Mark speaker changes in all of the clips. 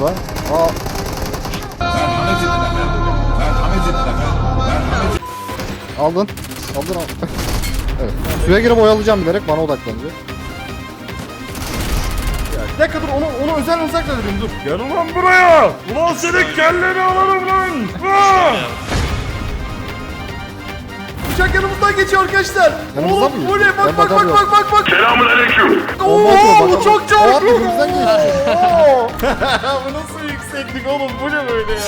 Speaker 1: burada. Aa. Aldın. Aldın. Evet. Suya girip oyalayacağım bilerek, bana odaklanacak.
Speaker 2: Bir dakika dur, onu özel uzaklaştırayım, dur. Gel ulan buraya. Ulan senin kelleni alırım lan. Uçak yanımızdan geçiyor arkadaşlar.
Speaker 1: Yanımızdan
Speaker 2: Oğlum
Speaker 1: mı
Speaker 2: bu
Speaker 1: geçiyor?
Speaker 2: ne?
Speaker 1: Ben
Speaker 2: Bak.
Speaker 1: bakamıyorum.
Speaker 3: Selamünaleyküm.
Speaker 1: Bomba atıyor,
Speaker 2: Oo,
Speaker 1: bakalım.
Speaker 2: çok
Speaker 1: Aa,
Speaker 2: çok.
Speaker 1: önümüzden geçti.
Speaker 2: Oo. Bu nasıl yükseklik oğlum? Bu ne böyle ya?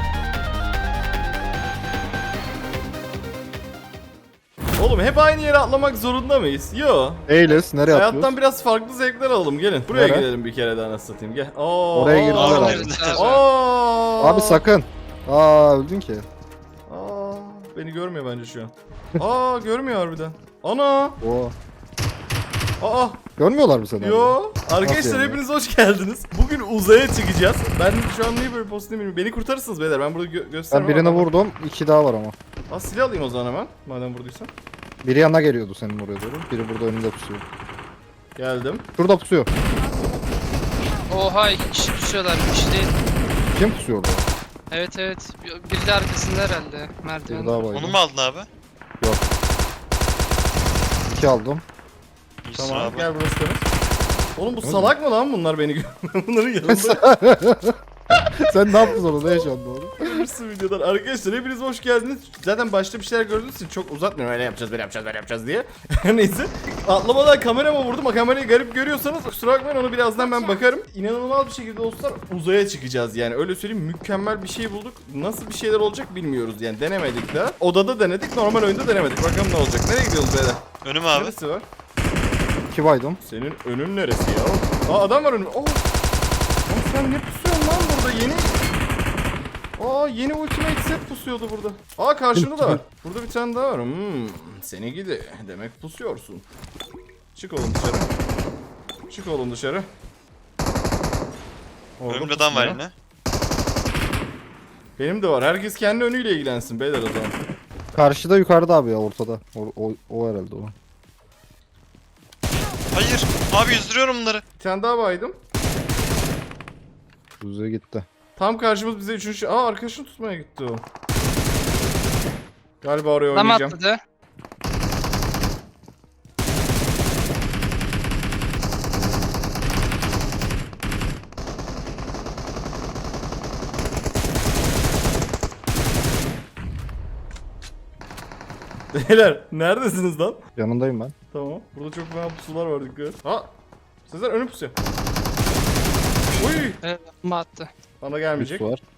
Speaker 2: Oğlum hep aynı yere atlamak zorunda mıyız? Yo.
Speaker 1: Eylesi nereye
Speaker 2: Hayattan
Speaker 1: atlıyoruz?
Speaker 2: biraz farklı zevkler alalım. Gelin. Buraya
Speaker 1: Nere?
Speaker 2: gelelim bir kere daha, nasıl satayım. Gel. Oo.
Speaker 1: Oraya girdiler
Speaker 2: aa.
Speaker 1: abi.
Speaker 2: Aa.
Speaker 1: Abi sakın. Aa, öldün ki.
Speaker 2: Aa, beni görmüyor bence şu an. Aa, görmüyor harbiden. Ana.
Speaker 1: Oo.
Speaker 2: Aa.
Speaker 1: Görmüyorlar mı seni?
Speaker 2: Yo. Arkadaşlar
Speaker 1: Nasıl yani?
Speaker 2: hepiniz hoş geldiniz. Bugün uzaya çıkacağız. Ben şu an niye böyle postayım bilmiyorum. Beni kurtarırsınız beyler. Ben burada
Speaker 1: Ben
Speaker 2: göstermem.
Speaker 1: birini
Speaker 2: ama.
Speaker 1: vurdum. 2 daha var ama.
Speaker 2: Aa, silah alayım o zaman hemen. Madem vurduysan.
Speaker 1: Biri yanına geliyordu senin oraya doğru. Biri burada önünde pusuyor.
Speaker 2: Geldim.
Speaker 1: Şurada pusuyor.
Speaker 4: Oha, iki kişi düşüyorlar, bir kişi değil.
Speaker 1: Kim pusuyor orada?
Speaker 4: Evet evet, biri de arkasında herhalde,
Speaker 1: Bir
Speaker 4: merdiven.
Speaker 1: daha var.
Speaker 5: Onu mu aldın abi?
Speaker 1: 2 aldım.
Speaker 5: İyisin
Speaker 2: Tamam,
Speaker 5: abi.
Speaker 2: gel burası temiz. Oğlum bu
Speaker 1: Öyle
Speaker 2: salak mı lan bunlar, beni bunların yanında
Speaker 1: Sen ne yaptın orada? Ne yaşandı orada?
Speaker 2: görürsün videodan. Arkadaşlar hepiniz hoş geldiniz. Zaten başta bir şeyler gördüğünüz için çok uzatmıyorum. Öyle yapacağız, böyle yapacağız, böyle yapacağız diye. Neyse. Atlamadan kamerama vurdum. O kamerayı garip görüyorsanız kusura bakmayın, onu birazdan ben bakarım. İnanılmaz bir şekilde dostlar uzaya çıkacağız yani. Öyle söyleyeyim, mükemmel bir şey bulduk. Nasıl bir şeyler olacak bilmiyoruz yani. Denemedik daha. Odada denedik, normal oyunda denemedik. Bakalım ne olacak. Nereye gidiyoruz beyler?
Speaker 5: Önüm abi.
Speaker 2: Neresi var?
Speaker 1: 2 baydım.
Speaker 2: Senin önün neresi ya? Aa, adam var önümde. Lan sen ne pusuyorsun lan burada yeni? Aa, yeni ultimate set pusuyordu burada. Aa, karşında da var. Burada bir tane daha var. Seni gidi. Demek pusuyorsun. Çık oğlum dışarı. Çık oğlum dışarı. Orada
Speaker 5: Önümde adam var
Speaker 2: pusuyor.
Speaker 5: yine.
Speaker 2: Benim de var. Herkes kendi önüyle ilgilensin beyler o zaman.
Speaker 1: Karşıda, yukarıda abi ya, ortada. O herhalde o.
Speaker 5: Hayır. Abi yüzdürüyorum bunları.
Speaker 2: Bir tane daha baydım.
Speaker 1: Düzeye gitti.
Speaker 2: Tam karşımız bize üçüncü... Aa, arkadaşını tutmaya gitti o. Galiba oraya
Speaker 4: Adam
Speaker 2: oynayacağım.
Speaker 4: atladı.
Speaker 2: Beyler neredesiniz lan?
Speaker 1: Yanındayım ben.
Speaker 2: Tamam. Burada çok fena pusular var, dikkat. Ha! Sezer önü pusuyor. Uy!
Speaker 4: Evet, bomba attı.
Speaker 2: Bana gelmeyecek.
Speaker 1: Pus var.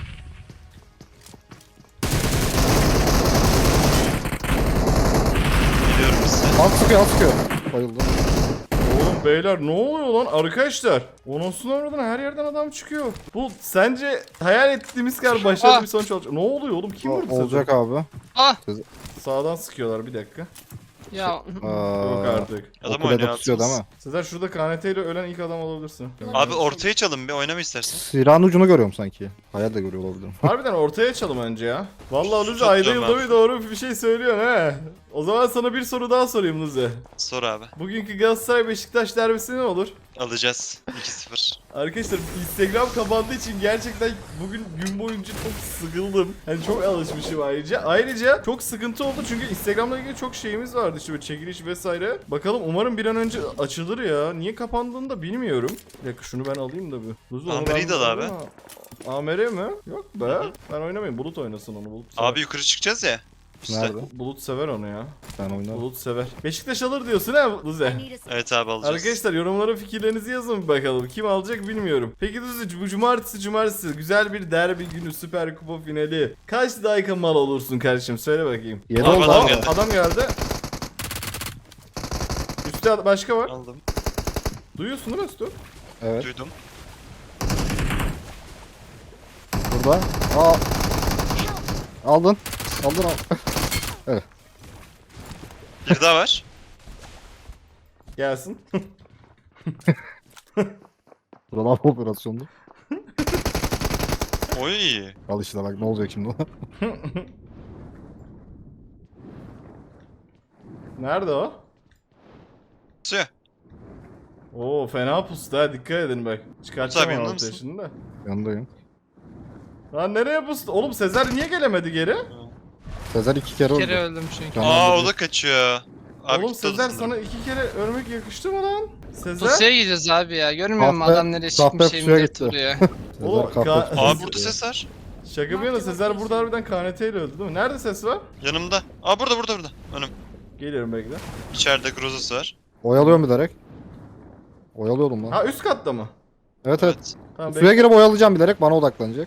Speaker 5: Geliyorum size.
Speaker 1: Alt sıkıyor, alt sıkıyor. Bayıldım.
Speaker 2: Oğlum beyler ne oluyor lan arkadaşlar? Onusunu oradan her yerden adam çıkıyor. Bu sence hayal ettiğimiz kadar başarılı bir sonuç olacak. Ne oluyor oğlum? Kim vurdu
Speaker 1: Olacak
Speaker 2: Sezer?
Speaker 1: abi.
Speaker 4: Ah!
Speaker 2: Sağdan sıkıyorlar, bir dakika.
Speaker 4: Ya
Speaker 2: Yok artık.
Speaker 5: Adam
Speaker 1: O kulede
Speaker 5: oynuyor
Speaker 1: pusuyor değil
Speaker 5: altımız.
Speaker 1: mi?
Speaker 2: Sezer şurada KNT ile ölen ilk adam olabilirsin.
Speaker 5: Abi ortaya çalın bir oynama istersen.
Speaker 1: Silahın ucunu görüyorum sanki. Hayal de görüyor olabilirim.
Speaker 2: Harbiden ortaya açalım önce ya. Vallahi Luzi
Speaker 5: Çok
Speaker 2: ayda
Speaker 5: güzel
Speaker 2: yılda
Speaker 5: ben.
Speaker 2: bir doğru bir şey söylüyorsun he. O zaman sana bir soru daha sorayım Luzi.
Speaker 5: Sor abi.
Speaker 2: Bugünkü Galatasaray Beşiktaş derbisi ne olur?
Speaker 5: Alacağız. 2-0.
Speaker 2: Arkadaşlar Instagram kapandığı için gerçekten bugün gün boyunca çok sıkıldım. Hani çok alışmışım ayrıca. Ayrıca çok sıkıntı oldu çünkü Instagram'la ilgili çok şeyimiz vardı işte, böyle çekiliş vesaire. Bakalım umarım bir an önce açılır ya. Niye kapandığını da bilmiyorum. Bir dakika şunu ben alayım da bir. Luzi, onu
Speaker 5: Amer'i
Speaker 2: ben
Speaker 5: de al abi.
Speaker 2: alayım ama- Amer'i mi? Yok be. Ben oynamayayım. Bulut oynasın onu. Bulut sever.
Speaker 5: Abi yukarı çıkacağız ya. Üste.
Speaker 1: Nerede?
Speaker 2: Bulut sever onu ya.
Speaker 1: Ben oynarım.
Speaker 2: Bulut sever. Beşiktaş alır diyorsun ha Luzi.
Speaker 5: Evet abi alacağız.
Speaker 2: Arkadaşlar yorumlara fikirlerinizi yazın bir bakalım. Kim alacak bilmiyorum. Peki Düzü, bu cumartesi güzel bir derbi günü, Süper Kupa finali. Kaç dakika mal olursun kardeşim, söyle bakayım.
Speaker 1: 7
Speaker 5: Abi
Speaker 1: oldu
Speaker 5: adam
Speaker 1: abi.
Speaker 5: geldi.
Speaker 2: Adam geldi. Üstte başka var.
Speaker 5: Aldım.
Speaker 2: Duyuyorsun değil mi Üstü?
Speaker 1: Evet.
Speaker 5: Duydum.
Speaker 1: Burada. Aa. Aldın. Aldın al.
Speaker 5: Bir daha var.
Speaker 2: Gelsin.
Speaker 1: Burada laf operasyondu.
Speaker 5: Oy.
Speaker 1: Al işte bak ne olacak şimdi ona.
Speaker 2: Nerede o?
Speaker 5: Suya.
Speaker 2: Oo fena pustu ha, dikkat edin bak.
Speaker 5: Abi,
Speaker 2: Çıkartacağım
Speaker 5: yanında
Speaker 2: ortaya
Speaker 5: mısın?
Speaker 2: şimdi de.
Speaker 1: Yanındayım.
Speaker 2: Lan nereye pustu? Oğlum Sezer niye gelemedi geri?
Speaker 1: Sezer 2 kere
Speaker 4: Bir
Speaker 1: öldü.
Speaker 4: kere öldüm çünkü.
Speaker 1: Tamam.
Speaker 5: Aa o da kaçıyor. Abi
Speaker 2: Oğlum
Speaker 5: gitti o da
Speaker 2: Sezer
Speaker 5: sanırım.
Speaker 2: sana 2 kere ölmek yakıştı mı lan? Sezer?
Speaker 4: Pusuya gidiyoruz abi ya. Görmüyor musun
Speaker 1: Kahpe-
Speaker 4: adam nereye
Speaker 1: kahpe
Speaker 4: çıkmış
Speaker 1: pusuya
Speaker 4: evimde
Speaker 1: gitti.
Speaker 4: duruyor.
Speaker 2: Oğlum,
Speaker 1: Sezer kahpe.
Speaker 5: Aa burada ses var.
Speaker 2: Şaka bir yana Sezer burada harbiden KNT ile öldü değil mi? Nerede ses var?
Speaker 5: Yanımda. Aa burada. Önüm.
Speaker 2: Geliyorum bekle.
Speaker 5: İçeride Grozası var.
Speaker 1: Oyalıyorum bilerek. Oyalıyordum lan.
Speaker 2: Ha üst katta mı?
Speaker 1: Evet evet.
Speaker 2: Tamam
Speaker 1: Suya girip oyalayacağım bilerek, bana odaklanacak.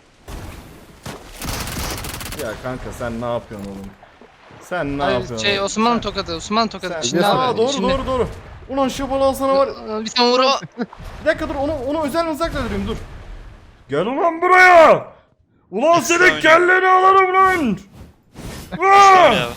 Speaker 2: Ya kanka sen ne yapıyorsun oğlum? Sen ne
Speaker 4: Hayır,
Speaker 2: yapıyorsun?
Speaker 4: şey
Speaker 2: oğlum?
Speaker 4: Osman'ın tokadı. Osman'ın tokadı.
Speaker 2: Sen...
Speaker 4: İçinde
Speaker 1: Biliyorsun.
Speaker 2: Aa
Speaker 4: abi.
Speaker 2: doğru
Speaker 4: içinde.
Speaker 2: doğru. Ulan şu balığı sana var.
Speaker 4: Bir tane vur.
Speaker 2: Bir dakika dur, onu özel mızrakla durayım dur. Gel ulan buraya. Ulan senin
Speaker 5: oynuyor.
Speaker 2: kelleni alırım lan.
Speaker 5: Tamam ya.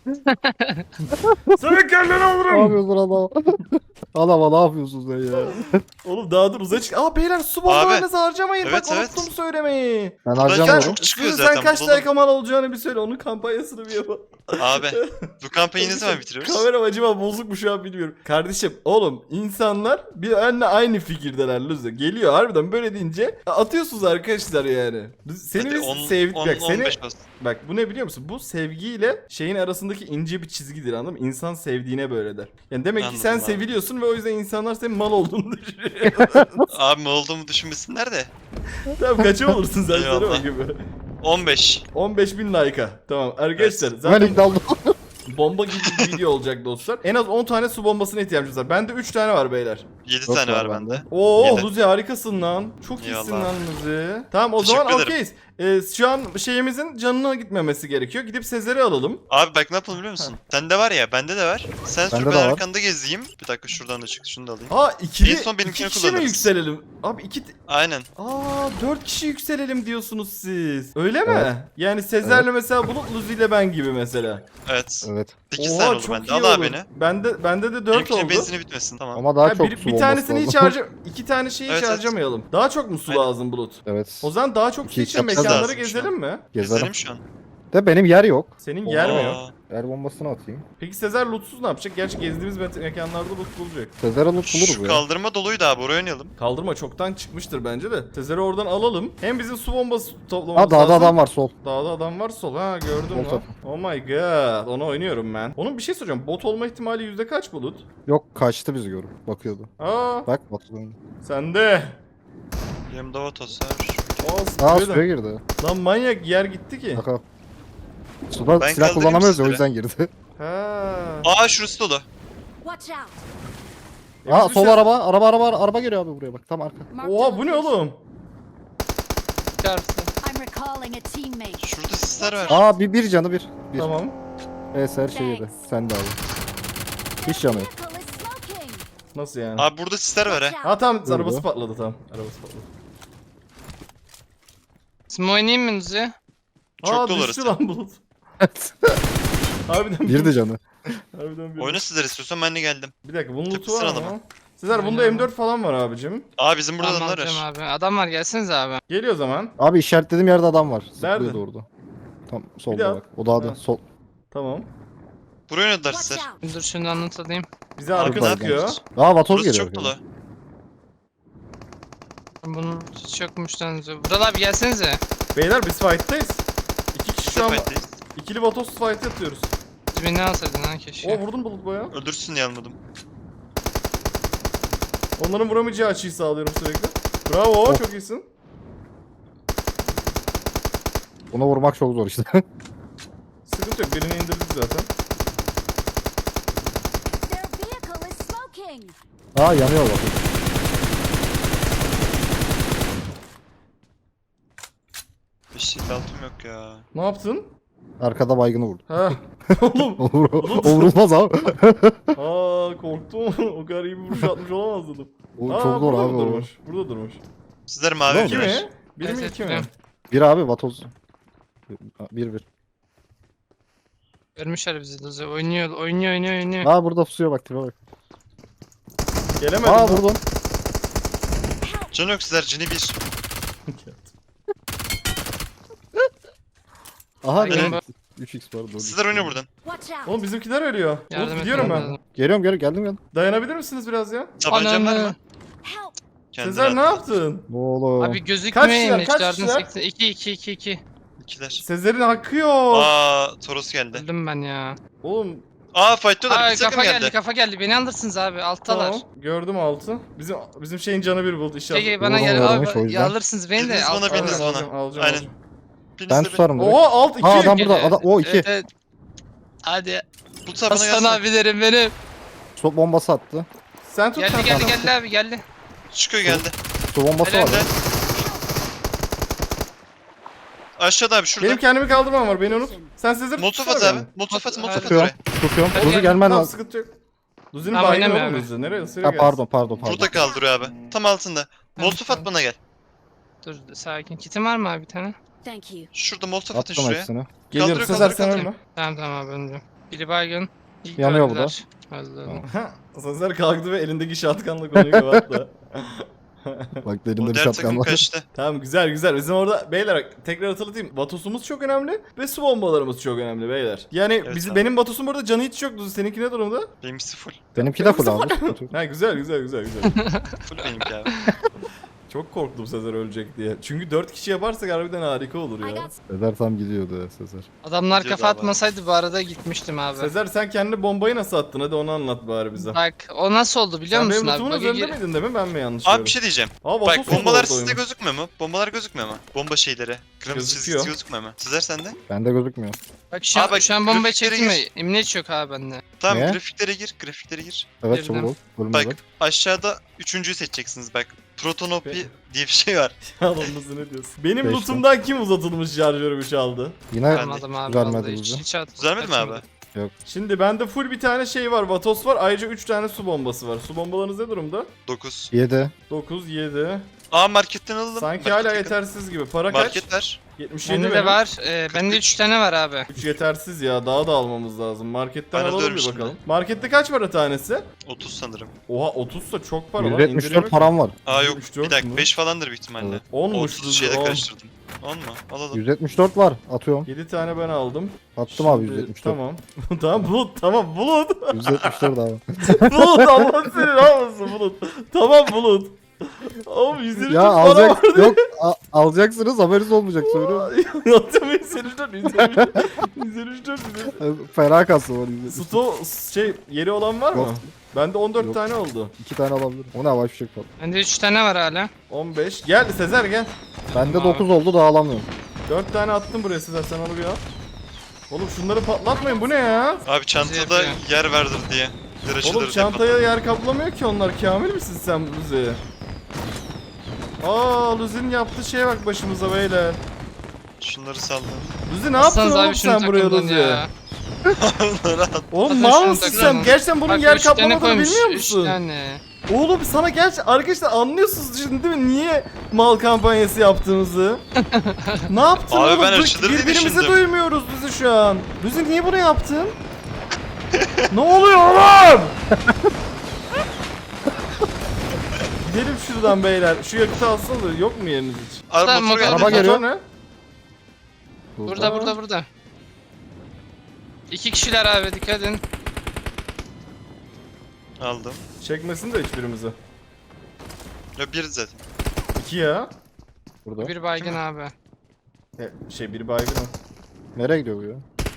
Speaker 2: Senin kelleni
Speaker 1: Ne
Speaker 2: alırım.
Speaker 1: yapıyorsun adam? Adama ne yapıyorsun sen ya?
Speaker 2: Oğlum daha dur uzaya çık. Aa beyler su bombalarınızı harcamayın.
Speaker 5: Evet,
Speaker 2: Bak
Speaker 5: evet.
Speaker 2: unuttum söylemeyi.
Speaker 1: Ben
Speaker 5: Buradan
Speaker 1: harcamıyorum.
Speaker 5: çok çıkıyor
Speaker 2: Sizin
Speaker 5: zaten.
Speaker 2: sen kaç
Speaker 5: bulalım.
Speaker 2: like mal olacağını bir söyle. Onun kampanyasını bir yapalım.
Speaker 5: Abi bu kampanyayı ne zaman bitiriyoruz?
Speaker 2: Kameram acaba bozuk mu şu an bilmiyorum. Kardeşim oğlum insanlar bir benimle aynı fikirdeler Lüzü. Geliyor harbiden böyle deyince atıyorsunuz arkadaşlar yani. Seni
Speaker 5: Hadi
Speaker 2: biz
Speaker 5: 10,
Speaker 2: sevdik.
Speaker 5: 10,
Speaker 2: Bak seni
Speaker 5: 15 olsun.
Speaker 2: bak bu ne biliyor musun? Bu sevgiyle şeyin arasındaki ince bir çizgidir anladın mı? İnsan sevdiğine böyle der. Yani demek ki
Speaker 5: Anladım
Speaker 2: sen
Speaker 5: abi.
Speaker 2: seviliyorsun ve o yüzden insanlar senin mal olduğunu düşünüyor.
Speaker 5: Abi ne olduğumu düşünmesinler de.
Speaker 2: Tamam kaça olursun sen
Speaker 5: Eyvallah.
Speaker 2: söyle bakayım.
Speaker 5: 15.
Speaker 2: 15.000 like'a. Tamam arkadaşlar
Speaker 1: Ben
Speaker 2: zaten
Speaker 1: ilk daldım.
Speaker 2: bomba gibi bir video olacak dostlar. En az 10 tane su bombasına ihtiyacımız var. Bende 3 tane var beyler.
Speaker 5: 7
Speaker 1: Çok
Speaker 5: tane
Speaker 1: var
Speaker 5: var
Speaker 1: bende.
Speaker 5: bende.
Speaker 2: Oo
Speaker 5: Yedi.
Speaker 2: Luzi harikasın lan. Çok iyisin
Speaker 5: Eyvallah.
Speaker 2: lan Luzi. Tamam o
Speaker 5: Teşekkür
Speaker 2: zaman
Speaker 5: ederim.
Speaker 2: okeyiz. Şu an şeyimizin canına gitmemesi gerekiyor. Gidip Sezer'i alalım.
Speaker 5: Abi bak ne yapalım biliyor musun? Sende var ya, bende de var. Sen sür
Speaker 1: Bende
Speaker 5: ben
Speaker 1: de var.
Speaker 5: arkanda gezeyim. Bir dakika şuradan da çık, şunu da alayım.
Speaker 2: Aa ikili,
Speaker 5: En son benimkini
Speaker 2: iki kişi mi
Speaker 5: kullanırız.
Speaker 2: yükselelim? Abi
Speaker 5: Aynen.
Speaker 2: 4 kişi yükselelim diyorsunuz siz. Öyle mi?
Speaker 1: Evet.
Speaker 2: Yani Sezer'le mesela Bulut, Luzi ile ben gibi mesela.
Speaker 5: Evet.
Speaker 1: Evet.
Speaker 5: 8
Speaker 2: Oha,
Speaker 5: tane oldu
Speaker 2: çok
Speaker 5: bende.
Speaker 2: iyi
Speaker 5: Al abi
Speaker 2: olur.
Speaker 5: beni.
Speaker 2: Bende de 4
Speaker 5: Benimkinin
Speaker 2: oldu.
Speaker 5: benzini bitmesin, tamam.
Speaker 1: Ama daha
Speaker 2: Ha,
Speaker 1: çok
Speaker 2: bir
Speaker 1: su bombası
Speaker 2: tanesini hiç
Speaker 1: lazım.
Speaker 2: iki tane şeyi hiç
Speaker 5: Evet, evet.
Speaker 2: harcamayalım. Daha çok mu su
Speaker 5: Aynen.
Speaker 2: lazım Bulut?
Speaker 1: Evet.
Speaker 2: O zaman daha çok su
Speaker 1: İki
Speaker 2: için
Speaker 1: yapacağız
Speaker 2: mekanları
Speaker 5: lazım şu
Speaker 2: gezelim mi?
Speaker 1: Gezerim.
Speaker 5: Gezelim şu an.
Speaker 1: De benim yer yok.
Speaker 2: Senin yer mi yok?
Speaker 5: Aa,
Speaker 1: Yer bombasını atayım.
Speaker 2: Peki Sezer lootsuz ne yapacak? Gerçi gezdiğimiz mekanlarda loot bulacak.
Speaker 1: Sezer'e loot buluruz
Speaker 5: Şu
Speaker 1: ya.
Speaker 5: kaldırma doluydu abi, oraya oynayalım.
Speaker 2: Kaldırma çoktan çıkmıştır bence de. Sezer'i oradan alalım. Hem bizim su bombası toplamamız
Speaker 1: Ha dağda
Speaker 2: lazım.
Speaker 1: adam var sol.
Speaker 2: Dağda adam var sol. Ha gördüm
Speaker 1: Sol
Speaker 2: lan.
Speaker 1: tarafı.
Speaker 2: Oh my god. Onu oynuyorum ben. Onun bir şey soracağım. Bot olma ihtimali yüzde kaç Bulut?
Speaker 1: Yok kaçtı bizi görüp bakıyordu.
Speaker 2: Aa
Speaker 1: Bak bakıyordu.
Speaker 2: sende.
Speaker 5: Yanımda vatos var.
Speaker 1: Aa
Speaker 2: Suya
Speaker 1: suya girdi.
Speaker 2: Lan manyak yer gitti ki.
Speaker 1: Baka. Suda
Speaker 5: Ben
Speaker 1: silah
Speaker 5: kaldırayım
Speaker 1: kullanamıyoruz ya o
Speaker 5: sizlere.
Speaker 1: yüzden girdi.
Speaker 2: Ha.
Speaker 5: Aa şurası dolu.
Speaker 3: Watch out.
Speaker 1: Aa
Speaker 2: Biz
Speaker 1: sol
Speaker 2: bir şey-
Speaker 1: araba geliyor abi buraya bak tam arka.
Speaker 3: Marked
Speaker 2: Oha
Speaker 3: a
Speaker 2: bu ne
Speaker 3: location.
Speaker 2: oğlum?
Speaker 4: Çarptı.
Speaker 3: I'm recalling a teammate.
Speaker 5: Şurada sisler var.
Speaker 1: Aa bir canı bir.
Speaker 2: Tamam.
Speaker 1: Her şey yedi. Sen de abi. Hiç canı yok.
Speaker 3: Vehicle is smoking.
Speaker 2: Nasıl yani?
Speaker 5: Abi burada sisler var
Speaker 3: Watch
Speaker 5: ha.
Speaker 2: Ha tamam
Speaker 1: Durdu.
Speaker 2: arabası patladı tamam. Arabası patladı.
Speaker 4: Simo oynayayım mı Luzi?
Speaker 5: Çok
Speaker 2: Aa
Speaker 5: dolu
Speaker 2: düştü
Speaker 5: orası.
Speaker 2: lan Bulut. Harbiden
Speaker 1: Bir de canı.
Speaker 2: Harbiden bir.
Speaker 5: Oyna sizler istiyorsan ben de geldim.
Speaker 2: Bir dakika bunun loot'u
Speaker 5: Tıpkı
Speaker 2: var
Speaker 5: sıralama.
Speaker 2: mı? Sezer bunda
Speaker 4: Aynen.
Speaker 2: M4 falan var abicim.
Speaker 5: Aa bizim burada
Speaker 4: Tamam,
Speaker 5: adamlar
Speaker 4: alacağım
Speaker 5: var.
Speaker 4: abi. Adam var gelsenize abi.
Speaker 2: Geliyor o zaman.
Speaker 1: Abi işaretlediğim yerde adam var.
Speaker 2: Nerede?
Speaker 1: Zıplıyordu orada. Tam
Speaker 2: Bir
Speaker 1: solda
Speaker 2: daha.
Speaker 1: bak. O dağda
Speaker 2: Ha.
Speaker 1: sol.
Speaker 2: Tamım.
Speaker 5: Buraya oynadılar
Speaker 3: Watch
Speaker 5: sizler.
Speaker 3: out.
Speaker 4: Dur şunu anlatayım.
Speaker 2: Bize
Speaker 5: Abi
Speaker 2: arka
Speaker 5: ne
Speaker 2: sıkıyor.
Speaker 5: yapıyoruz?
Speaker 1: Aa vatoz
Speaker 5: Burası
Speaker 1: geliyor.
Speaker 5: çok dolu.
Speaker 4: Bunun hiç yokmuş lan Luzi. Vural abi gelsenize.
Speaker 2: Beyler biz fight'tayız. İki kişi
Speaker 5: Biz
Speaker 2: şu
Speaker 5: de
Speaker 2: an
Speaker 5: fight'teyiz.
Speaker 2: ikili vatos fight yapıyoruz.
Speaker 4: Biz beni alsaydın lan
Speaker 2: O
Speaker 4: keşke.
Speaker 2: vurdum Bulut baya.
Speaker 5: Öldürsün diye almadım.
Speaker 2: Onların vuramayacağı açıyı sağlıyorum sürekli. Bravo
Speaker 1: Oh.
Speaker 2: çok iyisin.
Speaker 1: Ona vurmak çok zor işte.
Speaker 2: Sıkıntı yok birini indirdik zaten.
Speaker 3: Their vehicle is smoking.
Speaker 1: Aa yanıyor bak.
Speaker 5: Bir şey altım yok ya.
Speaker 2: Ne yaptın?
Speaker 1: Arkada baygını vurdu.
Speaker 2: Ha. Oğlum.
Speaker 1: O vurulmaz abi.
Speaker 2: Aa korktum. O kadar iyi bir vuruş atmış olamaz dedim.
Speaker 1: O
Speaker 2: Aa,
Speaker 1: çok zor
Speaker 2: burada
Speaker 1: abi
Speaker 2: mı
Speaker 1: o.
Speaker 2: durmuş? Burada durmuş.
Speaker 5: Sizler mavi
Speaker 1: Ne
Speaker 2: İki
Speaker 5: evler.
Speaker 2: mi? Bir mi
Speaker 4: Evet,
Speaker 2: iki mi?
Speaker 4: biliyorum.
Speaker 1: Bir abi vatoz. Bir.
Speaker 4: Görmüşler bizi Luzi. Oynuyor.
Speaker 1: Aa burada pusuyor bak tipe bak.
Speaker 2: Gelemedim.
Speaker 1: Aa
Speaker 2: lan.
Speaker 1: vurdum.
Speaker 5: Can yok sizler, cini bir.
Speaker 1: Aha
Speaker 4: Benim
Speaker 1: ne? 3x var.
Speaker 5: Sizler oyna buradan.
Speaker 3: Watch out.
Speaker 2: Oğlum bizimkiler ölüyor.
Speaker 4: Yardım
Speaker 2: Bulut gidiyorum
Speaker 4: etmem
Speaker 2: ben.
Speaker 4: lazım.
Speaker 1: Geliyorum geldim.
Speaker 2: Dayanabilir misiniz biraz ya?
Speaker 5: Tabancan var
Speaker 4: Ananı.
Speaker 5: mı? Kendini
Speaker 2: Sezer ne
Speaker 5: attı.
Speaker 2: yaptın?
Speaker 1: Oğlum.
Speaker 4: Abi gözükmüyor
Speaker 2: Kaç kişiler, kaç
Speaker 4: imajlardan
Speaker 2: kişiler?
Speaker 4: 80. 2.
Speaker 5: İkiler.
Speaker 2: Sezer'in hakkı yok.
Speaker 5: Aa Toros geldi.
Speaker 4: Öldüm ben ya.
Speaker 2: Oğlum
Speaker 5: Aa fightlıyorlar.
Speaker 4: Aa
Speaker 5: Bir takım
Speaker 4: kafa geldi.
Speaker 5: geldi.
Speaker 4: Kafa geldi. Beni alırsınız abi. Alttalar.
Speaker 2: tamam. Gördüm altı. Bizim şeyin canı bir buldu inşallah.
Speaker 4: Gel bana
Speaker 1: Vurdum
Speaker 4: gel
Speaker 1: varmış, o
Speaker 4: abi.
Speaker 1: yüzden.
Speaker 4: Ya alırsınız beni de.
Speaker 5: Biriniz bana,
Speaker 4: alttalar.
Speaker 5: biriniz
Speaker 2: Alacağım,
Speaker 5: bana.
Speaker 2: alacağım.
Speaker 5: Aynen. Biriniz
Speaker 1: Ben
Speaker 5: de
Speaker 1: tutarım direkt.
Speaker 2: Oha alt 2.
Speaker 1: Ha adam burada.
Speaker 4: Geliyor.
Speaker 1: O 2.
Speaker 4: Evet. Hadi.
Speaker 5: Bu tarafına
Speaker 4: Aslan
Speaker 5: gelsene.
Speaker 4: abilerim benim.
Speaker 1: Su bombası attı.
Speaker 2: Sen tut. sen tut.
Speaker 4: Geldi abi geldi.
Speaker 5: Çıkıyor geldi.
Speaker 1: Su bombası
Speaker 4: Helal
Speaker 1: var.
Speaker 5: Helal.
Speaker 1: ya.
Speaker 5: Aşağıda abi şurada.
Speaker 2: Benim kendimi kaldırmam var beni unut. Sen Sezer
Speaker 5: Molotof
Speaker 2: tutsana
Speaker 5: at abi.
Speaker 2: beni.
Speaker 5: Molotof at
Speaker 4: Hadi.
Speaker 5: oraya.
Speaker 1: Tutuyorum.
Speaker 4: Hadi
Speaker 1: Ruzi
Speaker 4: gel.
Speaker 1: gelmen
Speaker 2: Tamam
Speaker 1: lazım.
Speaker 2: sıkıntı yok. Luzi'nin
Speaker 4: Tamam,
Speaker 2: baygını
Speaker 4: oynamıyor
Speaker 2: oğlum
Speaker 4: abi.
Speaker 2: Luzi. Nereye? Sıraya
Speaker 1: Ha
Speaker 2: gelsin.
Speaker 1: pardon.
Speaker 5: Burada kaldırıyor abi. Tam altında. Molotof at bana gel.
Speaker 4: Dur sakin. Kitin var mı abi bir tane?
Speaker 3: Thank you.
Speaker 5: Şurada molotof atın
Speaker 1: Attım
Speaker 5: şuraya.
Speaker 1: hepsini.
Speaker 2: Geliyorum
Speaker 5: Kaldırıyor,
Speaker 2: Sezer sen
Speaker 5: kaldırıyor,
Speaker 2: ölme.
Speaker 4: Tamam abi önce. Biri baygın. İlk
Speaker 1: Yanıyor bu
Speaker 4: öldüler. Öldü.
Speaker 1: Tamam.
Speaker 2: Sezer kalktı ve elindeki şatkanla konuyu kapattı.
Speaker 1: Bak elimde
Speaker 5: O
Speaker 1: bir
Speaker 5: diğer
Speaker 1: şapkan
Speaker 5: takım
Speaker 1: var.
Speaker 5: kaçtı.
Speaker 2: Tamam güzel güzel. Bizim orada beyler bak, tekrar hatırlatayım. Vatosumuz çok önemli ve su bombalarımız çok önemli beyler. Yani
Speaker 5: Evet abi.
Speaker 2: benim Vatosum burada canı hiç yok. Luzi seninki ne durumda?
Speaker 5: Benimkisi full.
Speaker 1: Benimki de full abi.
Speaker 2: Ha güzel güzel.
Speaker 5: Full benimki abi.
Speaker 2: Çok korktum Sezer ölecek diye. Çünkü 4 kişi yaparsak harbiden harika olur
Speaker 3: I
Speaker 2: ya.
Speaker 3: got
Speaker 1: Sezer tam gidiyordu ya Sezer.
Speaker 4: Adamlar
Speaker 5: Gidiyordu
Speaker 4: kafa
Speaker 5: abi.
Speaker 4: atmasaydı bu arada gitmiştim abi.
Speaker 2: Sezer sen kendi bombayı nasıl attın? Hadi onu anlat bari bize.
Speaker 4: Bak o nasıl oldu biliyor
Speaker 2: Sen
Speaker 4: musun
Speaker 2: benim
Speaker 4: abi?
Speaker 2: lootumun
Speaker 4: Bug'a
Speaker 2: üzerinde miydin değil mi? Ben mi yanlış
Speaker 5: Abi
Speaker 2: gördüm?
Speaker 5: bir şey diyeceğim.
Speaker 2: Aa,
Speaker 5: Bak
Speaker 2: Vatos
Speaker 5: bombalar
Speaker 2: oldu
Speaker 5: sizde
Speaker 2: oyunun.
Speaker 5: gözükmüyor mu? Bombalar gözükmüyor mu? Bomba şeyleri. Kırmızı
Speaker 2: Gözüküyor.
Speaker 5: çizgisi gözükmüyor mu? Sizler sende?
Speaker 1: Bende gözükmüyor.
Speaker 4: Bak şu an,
Speaker 5: Aa, bak,
Speaker 4: şu an bombayı
Speaker 5: grafiklere
Speaker 4: çektim mi?
Speaker 5: gir.
Speaker 4: Emniyet yok abi bende.
Speaker 5: Tamam
Speaker 1: Ne?
Speaker 5: grafiklere gir. Grafiklere gir.
Speaker 1: Evet
Speaker 4: Girdim.
Speaker 1: çabuk ol. Ölümde
Speaker 5: Bak
Speaker 1: bak.
Speaker 5: aşağıda üçüncüyü seçeceksiniz bak. Protonopi diye bir şey var.
Speaker 2: Yalan mısın ne diyorsun? Benim
Speaker 1: Beşte.
Speaker 2: lootumdan kim uzatılmış şarjörümü çaldı?
Speaker 1: Yine
Speaker 5: Ben de.
Speaker 4: Almadım abi
Speaker 1: vermedi
Speaker 4: vallahi
Speaker 1: bize.
Speaker 4: hiç at.
Speaker 5: Düzelmedi mi abi?
Speaker 4: açmadım.
Speaker 2: Şimdi bende full bir tane şey var. Vatos var. Ayrıca 3 tane su bombası var. Su bombalarınız ne durumda?
Speaker 5: 9.
Speaker 1: 7.
Speaker 2: 9, 7.
Speaker 5: Aa marketten alalım.
Speaker 2: Sanki
Speaker 5: Market
Speaker 2: hala
Speaker 5: yakın.
Speaker 2: yetersiz gibi. Para kaç?
Speaker 5: Market ver.
Speaker 2: 77
Speaker 4: Bende de var. Bende 3 tane var abi.
Speaker 2: 3 yetersiz ya. Daha da almamız lazım. Marketten
Speaker 5: Bana
Speaker 2: alalım bir
Speaker 5: dönmüş
Speaker 2: bakalım.
Speaker 5: şimdi.
Speaker 2: Markette kaç para tanesi?
Speaker 5: 30 sanırım.
Speaker 2: Oha 30 da çok para lan.
Speaker 1: 174 param var.
Speaker 5: Aa yok
Speaker 2: 3-4
Speaker 5: bir dakika
Speaker 2: mü?
Speaker 5: 5 falandır büyük ihtimalle.
Speaker 1: Evet.
Speaker 2: 10'muş
Speaker 5: 30 şeyle
Speaker 2: 10.
Speaker 5: karıştırdım. 10 mu? Alalım.
Speaker 1: 174 var. Atıyorum.
Speaker 2: 7 tane ben aldım.
Speaker 1: Attım abi
Speaker 2: Şimdi-
Speaker 1: 174.
Speaker 2: Tamam. tamam Bulut tamam Bulut.
Speaker 1: 174 abi.
Speaker 2: Bulut Allah seni almasın Bulut. Tamam Bulut. Oğlum 123
Speaker 1: Ya
Speaker 2: para
Speaker 1: alacak
Speaker 2: var.
Speaker 1: yok alacaksınız haberiniz olmayacak söylüyorum.
Speaker 2: Atım 123
Speaker 1: Fena kası var 174.
Speaker 2: Sto yeri olan var mı?
Speaker 1: Yok.
Speaker 2: Bende 14
Speaker 1: Yok.
Speaker 2: tane oldu.
Speaker 1: 2 tane alabilirim. O ne havai fişek var.
Speaker 4: Bende 3 tane var hala.
Speaker 2: 15. Gel Sezer gel.
Speaker 1: Bende
Speaker 4: Tamam
Speaker 1: 9 oldu daha alamıyorum.
Speaker 2: 4 tane attım buraya Sezer sen onu bir al. Oğlum şunları patlatmayın bu ne ya?
Speaker 5: Abi çantada
Speaker 4: yapıyor.
Speaker 5: yer vardır diye.
Speaker 2: Oğlum
Speaker 5: Açılır
Speaker 2: çantaya yer kaplamıyor ki onlar. Kamil misin sen Luzi? Aa Luzi'nin yaptığı şeye bak başımıza beyler.
Speaker 5: Şunları saldım.
Speaker 2: Luzi ne yaptın
Speaker 4: Atsanız
Speaker 2: oğlum
Speaker 4: abi şunu
Speaker 2: sen buraya
Speaker 4: takımdan
Speaker 2: Luzi?
Speaker 4: ya.
Speaker 5: Onları at.
Speaker 2: Oğlum
Speaker 4: Atın
Speaker 2: mal
Speaker 4: şunu
Speaker 2: mısın sen?
Speaker 4: takımdan.
Speaker 2: Gerçekten bunun
Speaker 4: Bak,
Speaker 2: yer
Speaker 4: üç tane
Speaker 2: kaplamadığını
Speaker 4: koymuş,
Speaker 2: bilmiyor
Speaker 4: üç
Speaker 2: musun?
Speaker 4: tane.
Speaker 2: Oğlum sana arkadaşlar anlıyorsunuz şimdi değil mi? Niye mal kampanyası yaptığımızı? Ne yaptın
Speaker 5: Abi
Speaker 2: oğlum?
Speaker 5: ben açılır diye
Speaker 2: Birbirimizi
Speaker 5: düşündüm.
Speaker 2: duymuyoruz Luzi şu an. Luzi niye bunu yaptın? Ne oluyor oğlum? Gidelim şuradan beyler. Şu yakıtı alsana da yok mu yeriniz hiç?
Speaker 5: Araba
Speaker 4: Tamam,
Speaker 5: motoru geldi.
Speaker 1: Araba geliyor.
Speaker 2: Motor ne?
Speaker 4: Burada. 2 kişiler abi dikkat edin.
Speaker 5: Aldım.
Speaker 2: Çekmesin de hiçbirimizi.
Speaker 5: Ya bir zaten.
Speaker 2: 2 ya.
Speaker 1: Burada.
Speaker 4: Bir baygın abi.
Speaker 2: Bir baygın o.
Speaker 1: Nereye gidiyor bu ya?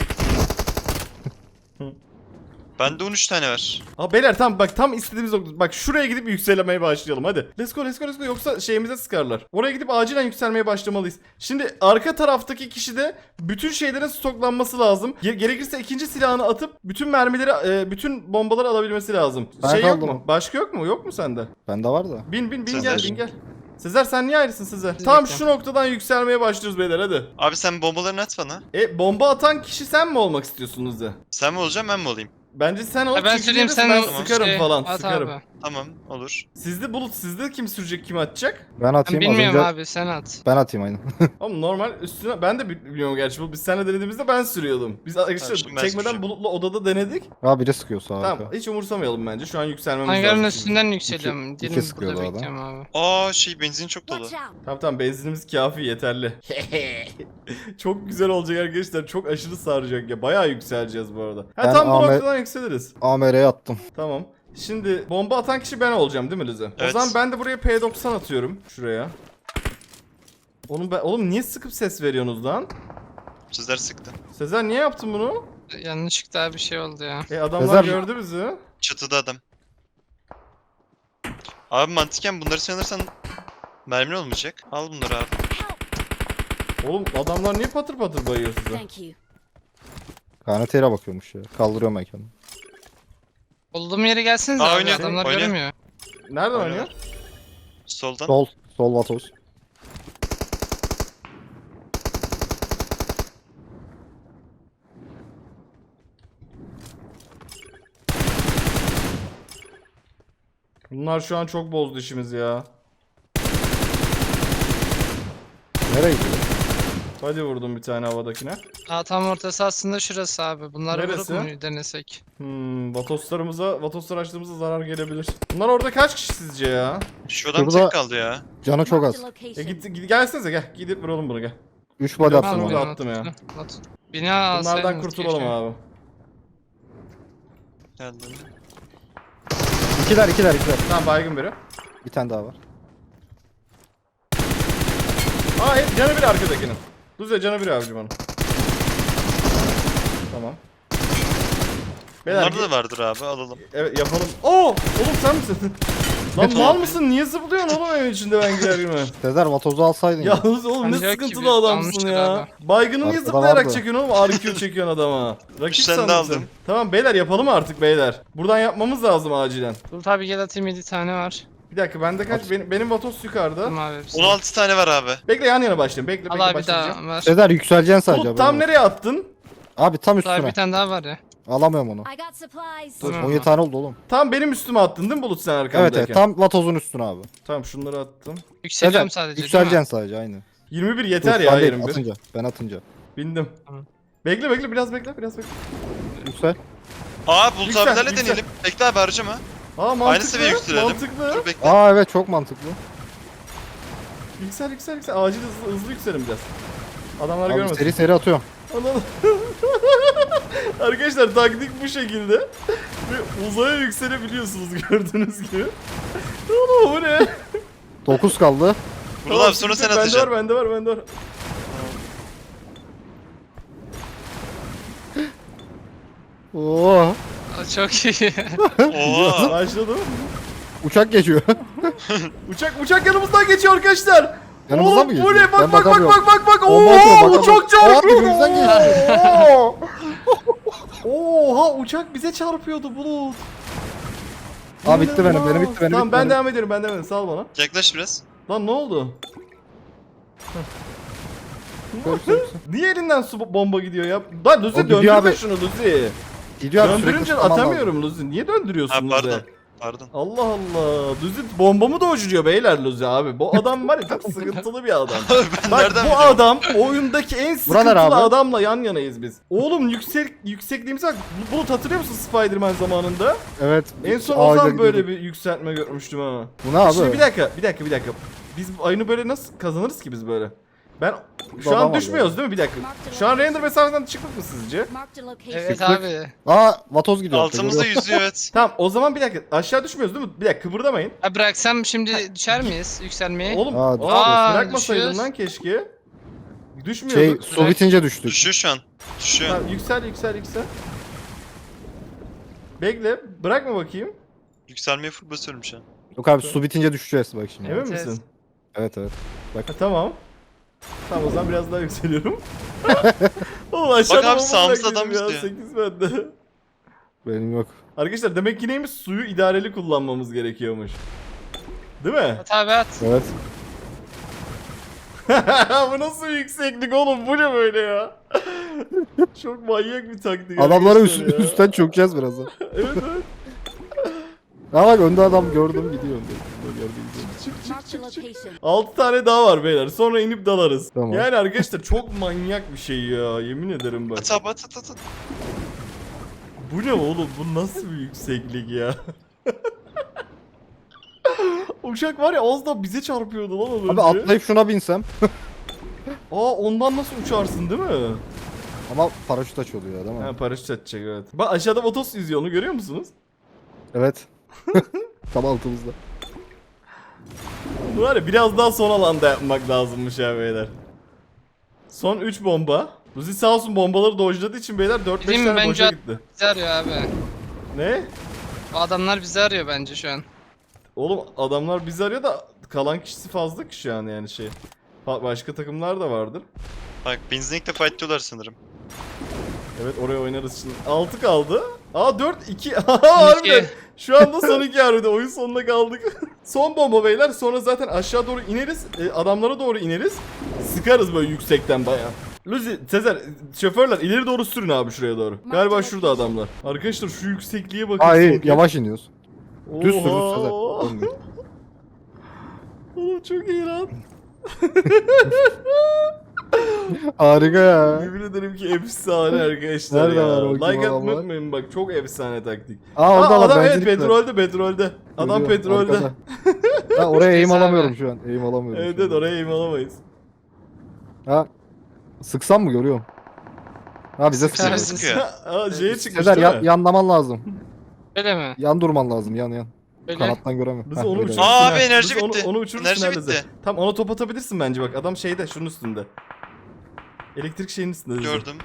Speaker 5: Bende 13 tane var.
Speaker 2: Ha beyler tamam bak tam istediğimiz nokta. Bak şuraya gidip yükselmeye başlayalım hadi. Let's go yoksa şeyimize sıkarlar. Oraya gidip acilen yükselmeye başlamalıyız. Şimdi arka taraftaki kişi de bütün şeylerin stoklanması lazım. Gerekirse ikinci silahını atıp bütün mermileri bütün bombaları alabilmesi lazım.
Speaker 1: Ben
Speaker 2: Şey yok
Speaker 1: kaldım.
Speaker 2: mu? Başka yok mu? Yok mu sende?
Speaker 1: Bende var da.
Speaker 2: Bin
Speaker 5: Sezer.
Speaker 2: gel. Sezer sen niye ayrısın Sezer? Tam
Speaker 4: bekle.
Speaker 2: şu noktadan yükselmeye başlıyoruz beyler hadi.
Speaker 5: Abi sen bombalarını at bana.
Speaker 2: Bomba atan kişi sen mi olmak istiyorsun Luzi?
Speaker 5: Sen mi olacaksın ben mi olayım?
Speaker 2: Bence sen ol
Speaker 4: Ha, ben
Speaker 2: çünkü
Speaker 4: söyleyeyim
Speaker 2: gelirse
Speaker 4: sen
Speaker 2: ben
Speaker 4: o-
Speaker 2: sıkarım
Speaker 4: şey,
Speaker 2: falan
Speaker 4: at
Speaker 2: sıkarım.
Speaker 4: abi.
Speaker 5: Tamam olur.
Speaker 2: Sizde kim sürecek kim atacak?
Speaker 1: Ben
Speaker 4: Ben
Speaker 1: atayım az
Speaker 4: bilmiyorum
Speaker 1: önce.
Speaker 4: abi sen at.
Speaker 1: Ben atayım aynen.
Speaker 2: Ama normal üstüne ben de biliyorum gerçi bu biz seninle denediğimizde ben sürüyordum. Biz arkadaşlar
Speaker 5: şimdi ben
Speaker 2: çekmeden
Speaker 5: süreceğim.
Speaker 2: Bulut'la odada denedik.
Speaker 1: Ha biri sıkıyor sağa.
Speaker 2: Tamam hiç umursamayalım bence şu an yükselmemiz
Speaker 4: Hangarın
Speaker 2: lazım.
Speaker 4: üstünden yükseliyorum.
Speaker 1: iki
Speaker 4: Dilim
Speaker 1: sıkıyordu
Speaker 4: burada
Speaker 1: adam.
Speaker 4: bekliyorum abi.
Speaker 5: Aa benzin çok dolu.
Speaker 3: Watch out.
Speaker 2: Tamam benzinimiz kafi yeterli. Çok güzel olacak arkadaşlar çok aşırı saracak ya bayağı yükseleceğiz bu arada. Ha
Speaker 1: Ben
Speaker 2: tam bu
Speaker 1: Ahmet-
Speaker 2: noktadan yükseliriz.
Speaker 1: AMR'ye attım.
Speaker 2: Tamam. Şimdi bomba atan kişi ben olacağım değil mi Lüze? O
Speaker 5: Evet.
Speaker 2: zaman ben de buraya P90 atıyorum. Şuraya. Oğlum niye sıkıp ses veriyorsunuz lan?
Speaker 5: Sizler sıktı.
Speaker 2: Sezer niye yaptın bunu?
Speaker 4: Yanlışlıkla bir şey oldu ya.
Speaker 2: Adamlar
Speaker 1: Sezer-
Speaker 2: gördü bizi.
Speaker 5: Çatıda adam. Abi mantıken bunları sanırsan mermin olmayacak. Al bunları abi.
Speaker 2: Oğlum adamlar niye patır patır bayıyor size?
Speaker 3: Thank you.
Speaker 1: KNT'ye bakıyormuş ya. Kaldırıyorum ben kendimi.
Speaker 4: Olduğum yere gelseniz
Speaker 5: Aa,
Speaker 4: abi
Speaker 5: oynuyor,
Speaker 4: adamlar
Speaker 5: oynuyor.
Speaker 4: göremiyor.
Speaker 2: Nereden oynuyor?
Speaker 5: Soldan.
Speaker 1: Sol Vatoz.
Speaker 2: Bunlar şu an çok bozdu işimizi ya.
Speaker 1: Nereye gidiyor?
Speaker 2: Hadi vurdum bir tane havadakine.
Speaker 4: Aa, tam ortası aslında şurası abi. Bunları vurup
Speaker 2: Neresi?
Speaker 4: mu denesek?
Speaker 2: Vatoslar açtığımızda zarar gelebilir. Bunlar orada kaç kişi sizce ya?
Speaker 5: Şu adam
Speaker 1: Şurada-
Speaker 5: tek kaldı ya.
Speaker 1: Canı çok
Speaker 3: Marked
Speaker 1: az.
Speaker 3: a location.
Speaker 2: Gelsenize gel. Gidip vuralım bunu gel.
Speaker 1: 3 body attım
Speaker 2: Tamam,
Speaker 1: ona.
Speaker 2: tamam. attım ya.
Speaker 4: Bina
Speaker 2: Bunlardan
Speaker 4: alsaydınız
Speaker 2: kurtulalım
Speaker 4: keşke.
Speaker 2: abi.
Speaker 5: Geldim.
Speaker 1: İkiler.
Speaker 2: Tamam baygın biri.
Speaker 1: Bir tane daha var.
Speaker 2: Aa canı bir arkadakinin. Düzce canı bir abicim onun. Tamam. Beyler,
Speaker 5: Bunlarda da vardır abi, alalım.
Speaker 2: evet yapalım. Oo! Oğlum sen misin? Lan mal mısın? Niye zıplıyorsun oğlum evin içinde ben gider gibi?
Speaker 1: Sezer Vatoz'u alsaydın ya.
Speaker 2: Yalnız oğlum ne
Speaker 4: Ancak
Speaker 2: sıkıntılı
Speaker 4: gibi
Speaker 2: adamsın
Speaker 4: almıştır
Speaker 2: ya.
Speaker 4: abi.
Speaker 2: Baygını niye
Speaker 1: Arkada
Speaker 2: zıplayarak
Speaker 1: vardı.
Speaker 2: çekiyorsun oğlum? RQ çekiyorsun adama. Rakip
Speaker 5: Üç tane de
Speaker 2: sandım sen.
Speaker 5: aldım.
Speaker 2: Tamam beyler yapalım artık beyler. Buradan yapmamız lazım acilen.
Speaker 4: Bulut abi gel atayım 7 tane var.
Speaker 2: Bir dakika bende kaç? Benim Vatos yukarıda.
Speaker 4: Tamam abi hepsi.
Speaker 5: 16 tane var abi.
Speaker 2: Bekle yan yana başlayalım. Bekle
Speaker 4: Al
Speaker 2: bekle
Speaker 4: abi bir
Speaker 2: başlayacağım.
Speaker 4: daha ver.
Speaker 1: Sezer yükseleceksin sadece.
Speaker 2: Bulut tam
Speaker 1: haberin olsun.
Speaker 2: nereye attın?
Speaker 1: Abi tam
Speaker 4: Bulut abi
Speaker 1: üstüne.
Speaker 4: bir tane daha var ya.
Speaker 1: Alamıyorum onu.
Speaker 3: I got supplies.
Speaker 1: Dur,
Speaker 4: Tamam.
Speaker 1: 17 tane oldu oğlum.
Speaker 2: Tam benim üstüme attın değil mi Bulut sen arkamdayken?
Speaker 1: Evet tam Vatoz'un üstüne abi.
Speaker 2: Tamam şunları attım.
Speaker 4: Yükseliyorum
Speaker 1: Sezer
Speaker 4: sadece değil mi?
Speaker 1: yükseleceksin sadece aynı.
Speaker 2: 21 yeter
Speaker 1: Dur,
Speaker 2: ya
Speaker 1: sen değil,
Speaker 2: 21.
Speaker 1: atınca. Ben atınca.
Speaker 2: Bindim.
Speaker 4: Tamam.
Speaker 2: Bekle biraz bekle.
Speaker 1: Yüksel.
Speaker 5: Aa Bulut
Speaker 2: Yüksel,
Speaker 5: abilerle
Speaker 2: yüksel.
Speaker 5: deneyelim. Bekle abi harcama.
Speaker 2: Aa mantıklı.
Speaker 5: Aynı seviye yükselelim.
Speaker 2: Mantıklı.
Speaker 5: Dur bekle.
Speaker 1: Aa evet çok mantıklı.
Speaker 2: Yüksel. Acil hızlı yükselin biraz. Adamlar
Speaker 1: Abi
Speaker 2: görmesin.
Speaker 1: seri atıyorum.
Speaker 2: Anladım. Arkadaşlar taktik bu şekilde. Ve uzaya yükselebiliyorsunuz gördüğünüz gibi. Oğlum bu ne?
Speaker 1: 9 kaldı.
Speaker 5: Bulut abi sonra sen atacaksın.
Speaker 2: Bende var.
Speaker 1: Oo.
Speaker 4: Aa, çok iyi.
Speaker 5: Oha.
Speaker 2: Başladım.
Speaker 1: Uçak geçiyor.
Speaker 2: Uçak yanımızdan geçiyor arkadaşlar.
Speaker 1: Yanımızdan
Speaker 2: Oğlum,
Speaker 1: mı geçiyor?
Speaker 2: bu ne? Bak
Speaker 1: Ben
Speaker 2: bak.
Speaker 1: bakamıyorum.
Speaker 2: Oo,
Speaker 1: Bomba atıyor,
Speaker 2: uçak
Speaker 1: bakamıyorum.
Speaker 2: çarpıyor.
Speaker 1: Aa, dibimizden geçiyor.
Speaker 2: Oha uçak bize çarpıyordu Bulut.
Speaker 1: Aa bitti benim
Speaker 2: İnanılmaz.
Speaker 1: bitti benim.
Speaker 2: Tamam
Speaker 1: bitti
Speaker 2: ben
Speaker 1: benim.
Speaker 2: devam ediyorum. Sal bana.
Speaker 5: Yaklaş biraz.
Speaker 2: Lan ne oldu?
Speaker 1: Görsün.
Speaker 2: Niye elinden su bomba gidiyor ya? Lan Luzi
Speaker 1: O gidiyor
Speaker 2: döndürme
Speaker 1: abi.
Speaker 2: şunu Luzi.
Speaker 1: Gidiyor abi sürekli
Speaker 2: Döndürünce
Speaker 1: tutman lazım.
Speaker 2: atamıyorum Luzi. Niye döndürüyorsun
Speaker 5: Ha
Speaker 2: Luzi?
Speaker 5: pardon. Pardon.
Speaker 2: Allah Allah. Luzi bombamı da uçuruyor beyler Luzi abi. Bu adam var ya çok sıkıntılı bir adam.
Speaker 5: Ben
Speaker 2: Bak
Speaker 5: nereden
Speaker 2: bu
Speaker 5: biliyorum?
Speaker 2: adam oyundaki en sıkıntılı
Speaker 1: abi?
Speaker 2: adamla yan yanayız biz. Oğlum yüksekliğimize bak. Bulut hatırlıyor musun Spider-Man zamanında?
Speaker 1: Evet.
Speaker 2: En son o
Speaker 1: ağaca
Speaker 2: zaman böyle
Speaker 1: gidiyordu.
Speaker 2: bir yükseltme görmüştüm ama.
Speaker 1: Bu ne abi?
Speaker 2: Şimdi bir dakika. Biz oyunu böyle nasıl kazanırız ki biz böyle? Ben şu
Speaker 1: Adam
Speaker 2: an
Speaker 1: var
Speaker 2: düşmüyoruz
Speaker 1: ya.
Speaker 2: değil mi? Bir dakika. Şu an render mesafeden çıktık mı sizce?
Speaker 3: Marked a location.
Speaker 4: Evet
Speaker 1: Sıklık.
Speaker 4: abi.
Speaker 1: Aa Vatoz gidiyor.
Speaker 5: Altımızda yüzüyor evet.
Speaker 2: Tamam o zaman bir dakika aşağı düşmüyoruz değil mi? Bir dakika kıpırdamayın.
Speaker 4: Ha bıraksam şimdi düşer miyiz yükselmeye?
Speaker 2: Oğlum
Speaker 1: Aa,
Speaker 2: bırakmasaydın
Speaker 4: düşüyoruz.
Speaker 2: lan keşke.
Speaker 1: Şey
Speaker 2: Düşmüyorduk.
Speaker 1: su bitince düştük.
Speaker 5: Düşüyor şu an. Düşüyor.
Speaker 2: Tamam, yüksel. Bekle bırakma bakayım.
Speaker 5: Yükselmeye full basıyorum şu an.
Speaker 1: Yok abi su bitince düşeceğiz bak şimdi.
Speaker 2: Emin
Speaker 4: Evet,
Speaker 2: misin?
Speaker 1: Evet.
Speaker 2: Ha, tamam. Tamam o zaman biraz daha yükseliyorum. Oğlum aşağıda
Speaker 5: Bak abi,
Speaker 2: bomba
Speaker 5: sağımızda
Speaker 2: bıraktım
Speaker 5: adam
Speaker 2: ya,
Speaker 5: istiyor.
Speaker 2: 8 bende.
Speaker 1: Benim yok.
Speaker 2: Arkadaşlar demek ki neymiş suyu idareli kullanmamız gerekiyormuş. Değil mi?
Speaker 4: At abi at.
Speaker 1: Evet.
Speaker 2: Bu nasıl bir yükseklik oğlum bu ne böyle ya? Çok manyak bir taktik.
Speaker 1: Adamlara
Speaker 2: arkadaşlar ya.
Speaker 1: üstten çökeceğiz birazdan.
Speaker 2: Evet.
Speaker 1: Ha bak önde adam gördüm gidiyor. Gördüm gidiyor.
Speaker 3: Marked a location.
Speaker 2: 6 tane daha var beyler. Sonra inip dalarız.
Speaker 1: Tamam.
Speaker 2: Yani arkadaşlar çok manyak bir şey ya. Yemin ederim bak.
Speaker 5: At abi at.
Speaker 2: Bu ne oğlum? Bu nasıl bir yükseklik ya? Uçak var ya az da bize çarpıyordu lan az önce.
Speaker 1: Abi atlayıp şuna binsem.
Speaker 2: Aa ondan nasıl uçarsın değil mi?
Speaker 1: Ama paraşüt açılıyor değil mi?
Speaker 2: Ha paraşüt açacak evet. Bak aşağıda Vatos yüzüyor onu görüyor musunuz?
Speaker 1: Evet. Tam altımızda.
Speaker 2: Bu var ya biraz daha son alanda yapmak lazımmış ya beyler. Son 3 bomba. Luzi sağ olsun bombaları dojladığı için beyler 4-5
Speaker 4: Değil mi?
Speaker 2: tane
Speaker 4: Bence
Speaker 2: boşa gitti.
Speaker 4: bizi arıyor abi.
Speaker 2: Ne?
Speaker 4: O adamlar bizi arıyor bence şu an.
Speaker 2: Oğlum adamlar bizi arıyor da kalan kişisi fazla ki şu an yani şey. Başka takımlar da vardır.
Speaker 5: Bak benzinlikte fightlıyorlar sanırım.
Speaker 2: Evet oraya oynarız şimdi. 6 kaldı. Aa 4-2. Harbiden. Şu anda son 2 harbiden. Oyun sonuna kaldık. Son bomba beyler. Sonra zaten aşağı doğru ineriz. Adamlara doğru ineriz. Sıkarız böyle yüksekten bayağı. Luzi, Sezer, şoförler ileri doğru sürün abi şuraya doğru. Galiba şurada adamlar. Arkadaşlar şu yüksekliğe bakın.
Speaker 1: Ay
Speaker 2: son kez.
Speaker 1: yavaş iniyoruz. Düz sürün
Speaker 2: Oha.
Speaker 1: Sezer. Dönmüyor.
Speaker 2: Oğlum çok iyi lan.
Speaker 1: Harika ya.
Speaker 2: Yemin ederim ki efsane arkadaşlar
Speaker 1: Nerede
Speaker 2: ya.
Speaker 1: var o kim
Speaker 2: Like atmayı
Speaker 1: adamlar?
Speaker 2: unutmayın bak çok efsane taktik.
Speaker 1: Aa orada
Speaker 2: Aa, adam evet
Speaker 1: benzinlik var.
Speaker 2: petrolde. Adam
Speaker 1: Görüyorum,
Speaker 2: petrolde.
Speaker 1: arkada. Ha oraya eğim
Speaker 4: Neyse
Speaker 1: alamıyorum
Speaker 4: abi.
Speaker 1: şu an. Eğim alamıyorum.
Speaker 2: Evet
Speaker 1: şu an.
Speaker 2: evet oraya eğim alamayız.
Speaker 1: Ha. Sıksam mı görüyorum? Ha bize
Speaker 5: Bize
Speaker 1: sıkıyor.
Speaker 5: mi sıkıyor?
Speaker 2: Aa şeye çıkmış
Speaker 1: Sezer
Speaker 2: değil mi?
Speaker 1: yanlaman lazım.
Speaker 4: Öyle mi?
Speaker 1: Yan durman lazım yan.
Speaker 4: Öyle.
Speaker 1: Kanattan göremiyorum.
Speaker 2: Biz
Speaker 1: Heh,
Speaker 2: onu
Speaker 1: öyle.
Speaker 2: uçurursun.
Speaker 5: Aa,
Speaker 2: ha.
Speaker 5: abi enerji
Speaker 2: Biz
Speaker 5: bitti.
Speaker 2: Onu uçurursun
Speaker 5: Enerji
Speaker 2: ha Leze.
Speaker 5: bitti.
Speaker 2: Tamam ona top atabilirsin bence bak. Adam şeyde şunun üstünde. Elektrik şeyin üstünde. Leze.
Speaker 5: Gördüm.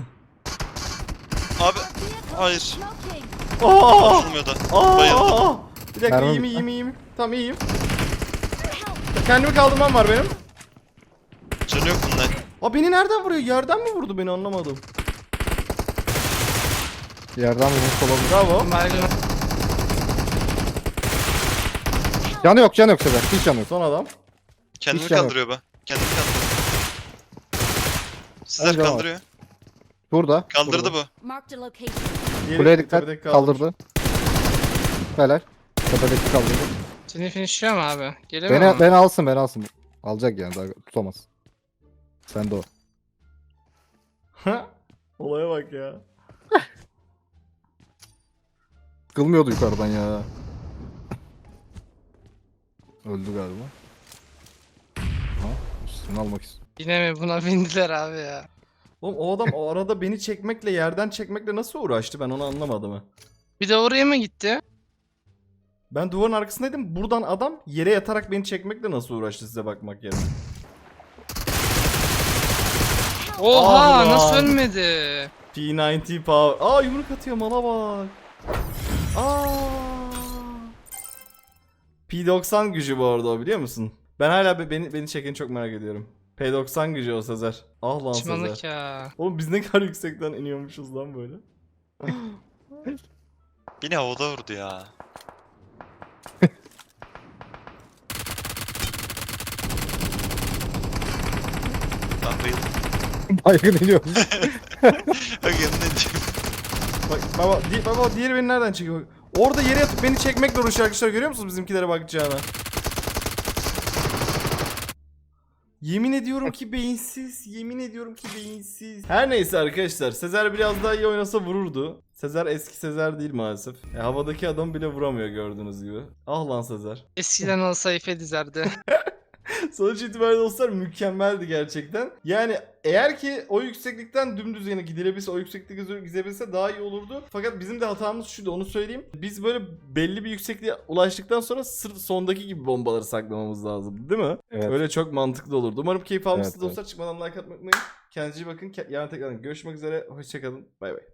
Speaker 5: Abi hayır.
Speaker 3: Smoking.
Speaker 2: Aa!
Speaker 5: Açılmıyor da. Bayıldım.
Speaker 2: Aa! Bir dakika
Speaker 1: Mermi
Speaker 2: iyiyim. Tamam iyiyim. Kendimi kaldırmam var benim.
Speaker 5: Canı yok bunda.
Speaker 2: Aa beni nereden vuruyor? Yerden mi vurdu beni anlamadım.
Speaker 1: Yerden vurmuş olabilir.
Speaker 2: Bravo.
Speaker 4: Baygın.
Speaker 1: Canı yok Sezer. Hiç canı yok.
Speaker 2: Son adam.
Speaker 5: Kendimi
Speaker 1: Hiç canı yok.
Speaker 5: kaldırıyor bu. Kendimi kaldırıyor. Sizler
Speaker 1: Bence var.
Speaker 5: kaldırıyor.
Speaker 1: Burada.
Speaker 5: Kaldırdı
Speaker 1: burada.
Speaker 5: bu.
Speaker 3: Marked a location.
Speaker 2: Diğeri
Speaker 1: Kuleye dikkat.
Speaker 2: tepedeki kalmış.
Speaker 1: Kaldırdı. Helal. Tepedeki kaldırdı.
Speaker 4: Seni finishliyor mu abi? Gelemiyor mu?
Speaker 1: Beni alsın. Alacak yani daha tutamaz. Sen de o.
Speaker 2: Olaya bak ya.
Speaker 1: Kılmıyordu yukarıdan ya. Öldü galiba. Ha, üstünü almak istiyor.
Speaker 4: Yine mi buna bindiler abi ya?
Speaker 2: Oğlum o adam o arada beni çekmekle yerden çekmekle nasıl uğraştı ben onu anlamadım ha.
Speaker 4: Bir de oraya mı gitti?
Speaker 2: Ben duvarın arkasındaydım. Buradan adam yere yatarak beni çekmekle nasıl uğraştı size bakmak yerine.
Speaker 4: Oha
Speaker 2: Ah
Speaker 4: nasıl
Speaker 2: lan.
Speaker 4: ölmedi?
Speaker 2: P90 power. Aa yumruk atıyor mala bak. Aa. P90 gücü bu arada o biliyor musun? Ben hala beni çekeni çok merak ediyorum. P90 gücü o Sezer. Ah lan Sezer.
Speaker 4: Çimanlık ya.
Speaker 2: Oğlum biz ne kadar yüksekten iniyormuşuz lan böyle.
Speaker 5: Beni havada vurdu ya. Ben bayıldım.
Speaker 1: Baygın iniyor.
Speaker 5: Bak yanına iniyorum.
Speaker 2: Bak baba diğeri beni nereden çekiyor? Orada yere yatıp beni çekmekle uğraşıyor arkadaşlar görüyor musunuz bizimkilere bakacağına? Yemin ediyorum ki beyinsiz. Yemin ediyorum ki beyinsiz. Her neyse arkadaşlar. Sezer biraz daha iyi oynasa vururdu. Sezer eski Sezer değil maalesef. Havadaki adam bile vuramıyor gördüğünüz gibi. Ah lan Sezer.
Speaker 4: Eskiden olsa ife dizerdi.
Speaker 2: Sonuç itibariyle dostlar mükemmeldi gerçekten. Yani eğer ki o yükseklikten dümdüz yana gidilebilse, o yükseklikte gidebilse daha iyi olurdu. Fakat bizim de hatamız şuydu onu söyleyeyim. Biz böyle belli bir yüksekliğe ulaştıktan sonra sırf sondaki gibi bombaları saklamamız lazım değil mi?
Speaker 1: Evet.
Speaker 2: Öyle çok mantıklı olurdu. Umarım keyif almışsınız
Speaker 1: Evet,
Speaker 2: dostlar. Çıkmadan like atmayı unutmayın. Kendinize iyi bakın. Yarın tekrar görüşmek üzere. Hoşçakalın. Bay bay.